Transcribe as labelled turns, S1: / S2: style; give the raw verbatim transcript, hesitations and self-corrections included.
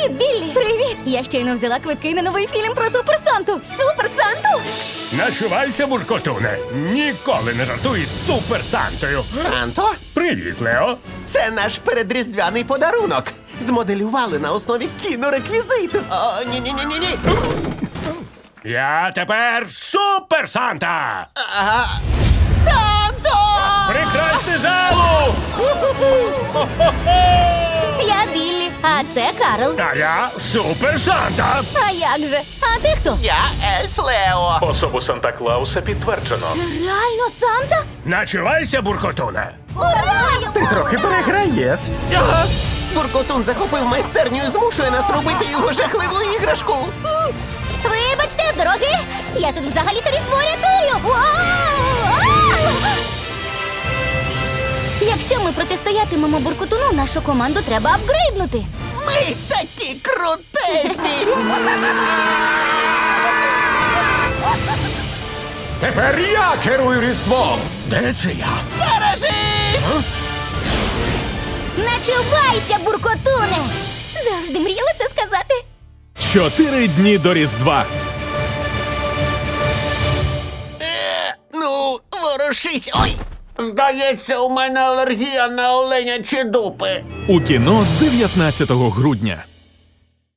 S1: Привіт, Біллі! Привіт! Я щойно взяла квитки на новий фільм про Супер Санту. Супер Санту?
S2: Начувайся, буркотуне. Ніколи не жартуй з Супер Сантою.
S3: Санто,
S2: Привіт, Лео.
S3: це наш передріздвяний подарунок. Змоделювали на основі кінореквізиту. О, ні-ні-ні-ні-ні.
S2: Я тепер Супер Санта.
S3: Ага. Санто!
S2: Прикрасти залу!
S1: Я Біллі, а це Карл.
S2: А я Супер Санта.
S1: А як же? А ти хто?
S3: Я ельф Лео.
S4: Особу Санта-Клауса підтверджено.
S1: Реально Санта?
S2: Начувайся, буркотуне.
S1: Ура!
S5: Ти трохи переграєш.
S3: Ага. Буркотун захопив майстерню і змушує нас робити його жахливу іграшку.
S1: Вибачте, з дороги! Я тут взагалі-то різдво рятую! Вау! Ау! Якщо ми протистоятимемо буркотуну, нашу команду треба апгрейднути.
S3: Ми такі крутезні!
S5: Тепер я керую Різдвом.
S2: Де це я?
S3: Стережись!
S1: Начувайся, буркотуне! Завжди мріяла це сказати.
S6: Чотири дні до Різдва.
S3: Ну, ворушись! Ой!
S7: Здається, у мене алергія на оленячі дупи.
S6: У кіно з дев'ятнадцятого грудня.